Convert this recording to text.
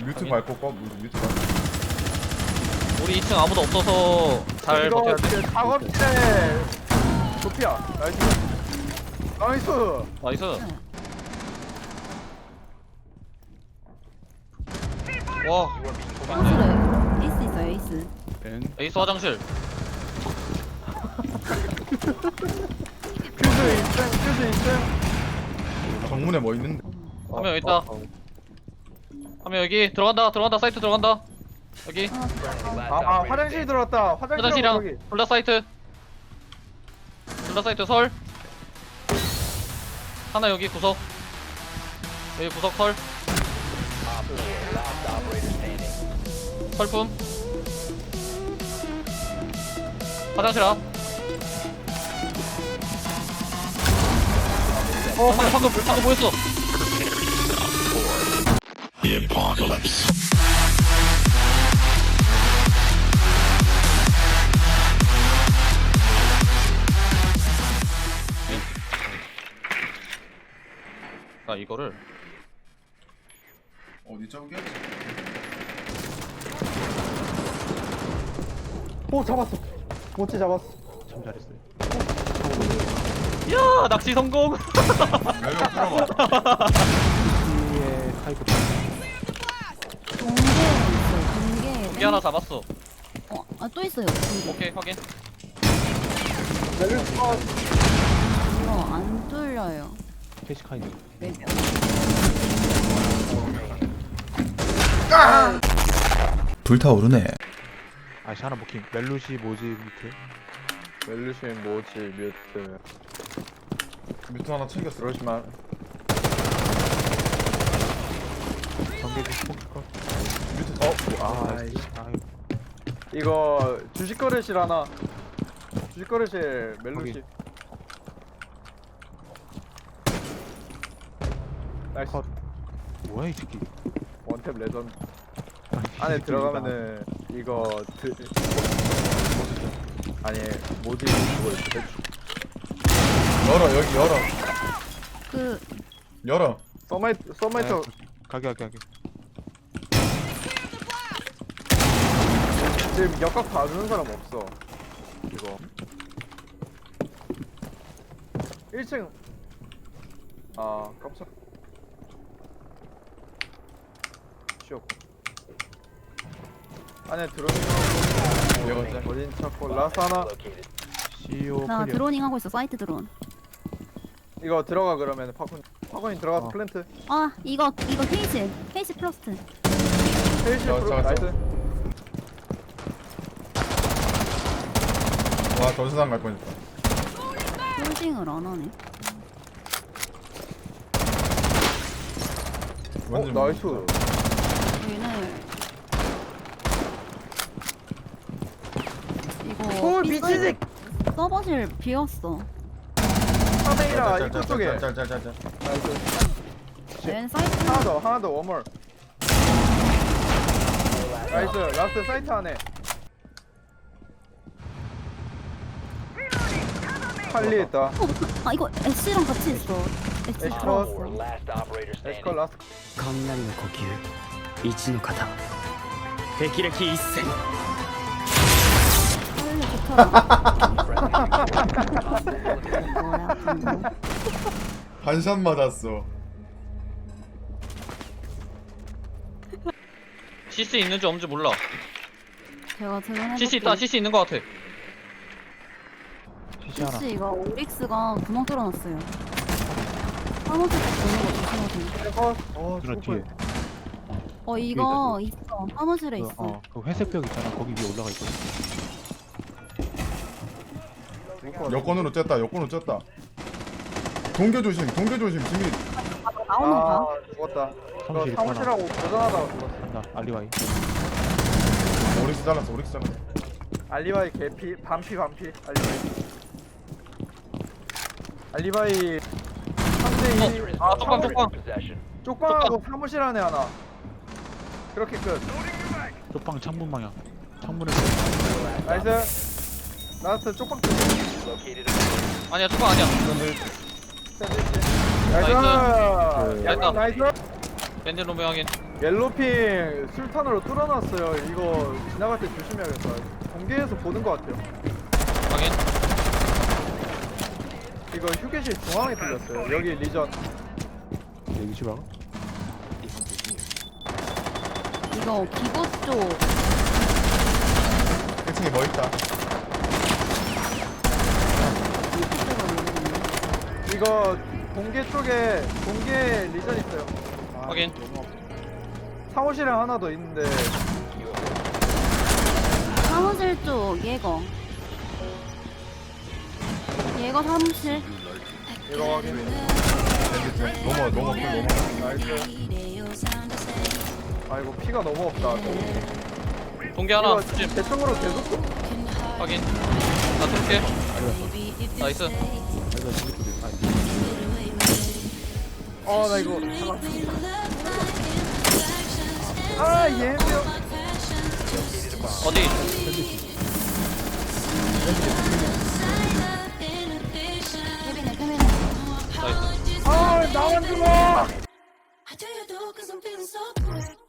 뮤트 밟고 꺼. 뮤트 밟고. 우리 2층 아무도 없어서 잘 버텨야 돼. 작업실에 도피야. 나이스. 나이스. 나이스. 와, 화장실에 에이스 있어요 에이스. 에이스 화장실. 퓨즈 2층, 퓨즈 2층. 정문에 뭐 있는데? 한 명 있다. 한 명 여기 들어간다. 사이트 들어간다. 여기 아, 화장실 들어왔다. 화장실이랑 저기. 블라 사이트. 블라 사이트 설. 하나 여기 구석. 여기 구석 설. 설품. 화장실 앞. 방금 보였어. 나 이거를 어디 저기? 오, 잡았어. 모찌 잡았어. 참 잘했어요. 야 낚시 성공. 여기 들어봐. 뒤에 카이브 동계 있어요 동계. 여기 하나 잡았어. 또 있어요 동계. 오케이 확인. 이거 안 뚫려요. 캐시 카이드. 불타오르네. 아시 하나 먹힌. 멜루시 모지 밑에. 멜루신 모찌 뮤트. 뮤트 하나 챙겼어. 그러시만. 전개지 스포츠컷. 뮤트. 아이씨. 아유. 이거 주식 거래실 하나. 주식 거래실 멜루시. 거기. 나이스. 컷. 뭐야 이 새끼. 원탭 레전드. 아니, 이 안에 새끼 들어가면은 이거 아니 모지 그거 있어. 열어 여기 열어. 그 열어. 서마이터 가게. 지금 역각 봐주는 사람 없어. 이거 1층. 아 깜짝. 쉬었고 안에 들어오는 거 어딘 찾고 라스 하나. CEO 나 클리어. 드로닝 하고 있어 사이트 드론. 이거 들어가 그러면 파콘이 들어가서 플랜트. 이거 케이스 플러스트. 페이지 자, 프로 자, 자. 나이스. 와 전세상 갈 뻔했다. 홀딩을 안 하네. 완전 나이스. 얘는 이거 오 미치지. 서버실 비었어. 카메라 입구 쪽에. 짤짤짤짤짤. 나이스. 얘는 사이트 하나 더 원몰. 나이스. 라스트 사이트 안에. 칼리했다. 이거 애쉬랑 같이 있어. 애쉬 애쉬 들어왔어. 에스컬 라스트. 雷の呼吸一の型霹靂一閃 좋다. 반샷 맞았어. CC 있는지 없는지 몰라. 제가 드론 CC 있다. CC 있는 거 같아. CC 하나. 혹시 이거 오릭스가 구멍 뚫어놨어요. 사무실 쪽 보는 거 조심하세요. 누나 뒤에. 이거 있어. 사무실에 있어. 그 회색 벽 있잖아. 거기 위에 올라가 있거든. 여권으로 쬐다. 동교 조심. 지미. 나오는 거 봐. 죽었다. 사무실 이거 사무실하고 고전하다가 죽었어. 간다. 알리바이. 오릭스 잘랐어. 알리바이 개피 반피 알리바이 3대2. 아 쪽방. 쪽방하고 사무실 안에 하나. 그렇게 끝. 쪽방 창문 방향. 창문에 나이스. 라스트 쪽방 끝. 아니야 쪽방 아니야. 나이스. 나이스. 나이스. 밴드 놈 확인. 옐로핑 술탄으로 뚫어놨어요. 이거 지나갈 때 조심해야겠다. 공개에서 보는 것 같아요. 확인. 이거 휴게실 중앙에 뚫렸어요. 여기 리전. 여기 집 알아? 이거 기보 쪽 1층에 뭐 있다. 쪽으로 내리겠네. 이거 공개 쪽에 공개 리전 있어요. 확인. 사무실에 하나 더 있는데 사무실 쪽 예거. 예거 사무실. 이거 확인. 밴드 넘어. 나이스. 아이고 피가 너무 없다. 동계 하나. 이거 조심. 대충으로 계속 쏘- 확인. 나 쏠게. 나이스. 아니다 저기 쪽에. 나 이거 아 예명. 어디? 케빈에 케빈에. 나이스. 나만 죽어. I tell you though, cause I'm feeling so good.